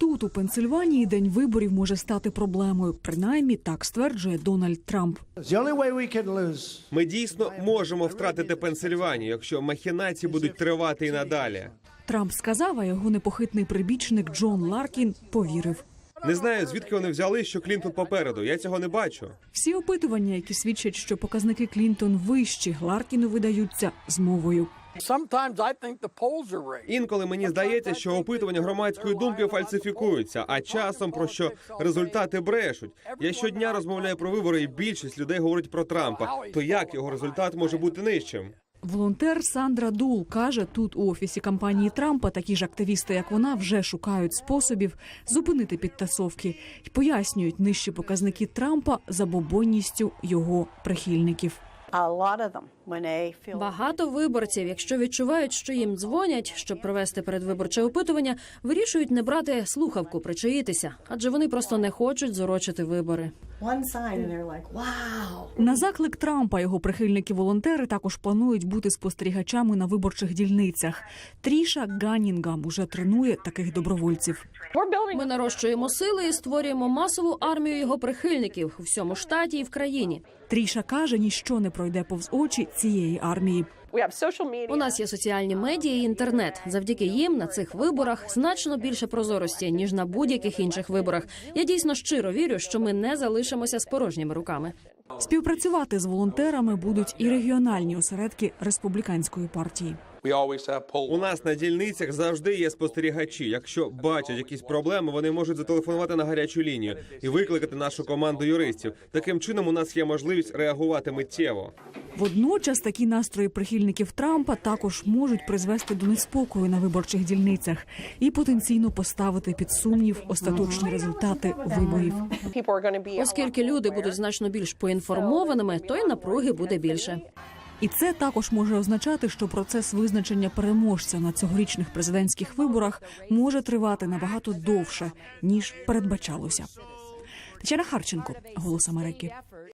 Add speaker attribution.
Speaker 1: Тут, у Пенсильванії, день виборів може стати проблемою. Принаймні, так стверджує Дональд Трамп.
Speaker 2: Ми дійсно можемо втратити Пенсильванію, якщо махінації будуть тривати і надалі.
Speaker 1: Трамп сказав, а його непохитний прибічник Джон Ларкін повірив.
Speaker 2: Не знаю, звідки вони взяли, що Клінтон попереду. Я цього не бачу.
Speaker 1: Всі опитування, які свідчать, що показники Клінтон вищі, Ларкіну видаються змовою.
Speaker 2: Інколи мені здається, що опитування громадської думки фальсифікуються, а часом про що результати брешуть. Я щодня розмовляю про вибори, і більшість людей говорить про Трампа. То як його результат може бути нижчим?
Speaker 1: Волонтер Сандра Дул каже, тут у офісі кампанії Трампа такі ж активісти, як вона, вже шукають способів зупинити підтасовки і пояснюють нижчі показники Трампа забобонністю його прихильників.
Speaker 3: Багато виборців, якщо відчувають, що їм дзвонять, щоб провести передвиборче опитування, вирішують не брати слухавку, причаїтися, адже вони просто не хочуть зорочити вибори.
Speaker 1: На заклик Трампа його прихильники-волонтери також планують бути спостерігачами на виборчих дільницях. Тріша Ганнінгам уже тренує таких добровольців.
Speaker 3: Ми нарощуємо сили і створюємо масову армію його прихильників у всьому штаті і в країні.
Speaker 1: Тріша каже, ніщо не пройде повз очі цієї армії.
Speaker 3: У нас є соціальні медіа і інтернет. Завдяки їм на цих виборах значно більше прозорості, ніж на будь-яких інших виборах. Я дійсно щиро вірю, що ми не залишимося з порожніми руками.
Speaker 1: Співпрацювати з волонтерами будуть і регіональні осередки республіканської партії.
Speaker 2: У нас на дільницях завжди є спостерігачі. Якщо бачать якісь проблеми, вони можуть зателефонувати на гарячу лінію і викликати нашу команду юристів. Таким чином у нас є можливість реагувати миттєво.
Speaker 1: Водночас такі настрої прихильників Трампа також можуть призвести до неспокою на виборчих дільницях і потенційно поставити під сумнів остаточні результати виборів.
Speaker 3: Оскільки люди будуть значно більш поінформованими, то й напруги буде більше.
Speaker 1: І це також може означати, що процес визначення переможця на цьогорічних президентських виборах може тривати набагато довше, ніж передбачалося. Тетяна Харченко, «Голос Америки».